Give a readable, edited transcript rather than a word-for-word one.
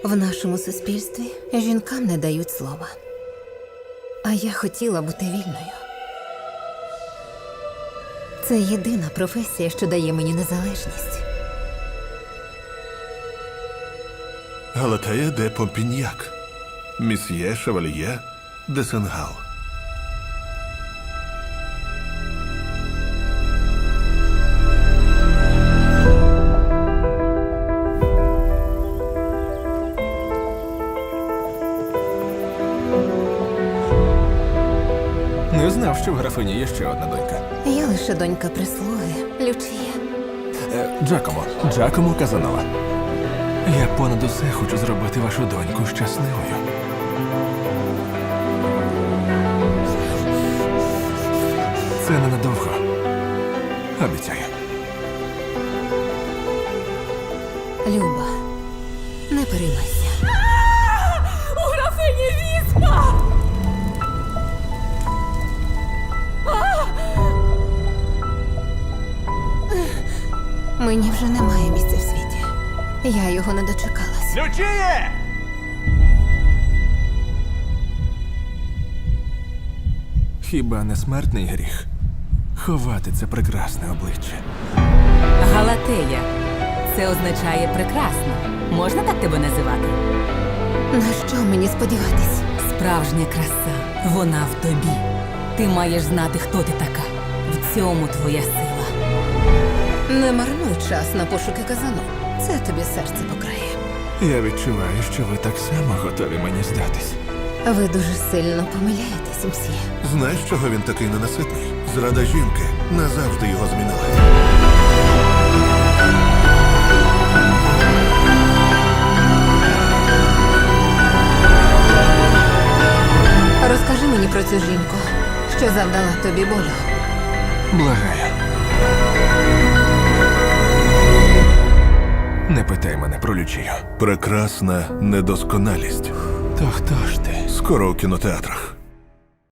В нашому суспільстві жінкам не дають слова. А я хотіла бути вільною. Це єдина професія, що дає мені незалежність. Галатея де Помпіньяк, Місьє Шевальє де Сенгал. Не знав, що в графині є ще одна донька. Я лише донька прислуги, Лючія. Джакомо Казанова. Я понад усе хочу зробити вашу доньку щасливою. Це ненадовго. Обіцяю. Люба, не переймайся. У графині віспа! Мені вже немає місця в світі. Я його не дочекалась. Лючіє! Хіба не смертний гріх? Ховати це прекрасне обличчя. Галатея. Це означає прекрасно. Можна так тебе називати? На що мені сподіватись? Справжня краса. Вона в тобі. Ти маєш знати, хто ти така. В цьому твоя сила. Не марнуй час на пошуки казану. Це тобі серце покрає. Я відчуваю, що ви так само готові мені здатись. Ви дуже сильно помиляєтесь, мсьє. Знаєш, чого він такий ненаситний? Зрада жінки назавжди його змінила. Розкажи мені про цю жінку, що завдала тобі болю. Благаю. Не питай мене про Лючію. Прекрасна недосконалість. То хто ж ти? Скоро у кінотеатрах.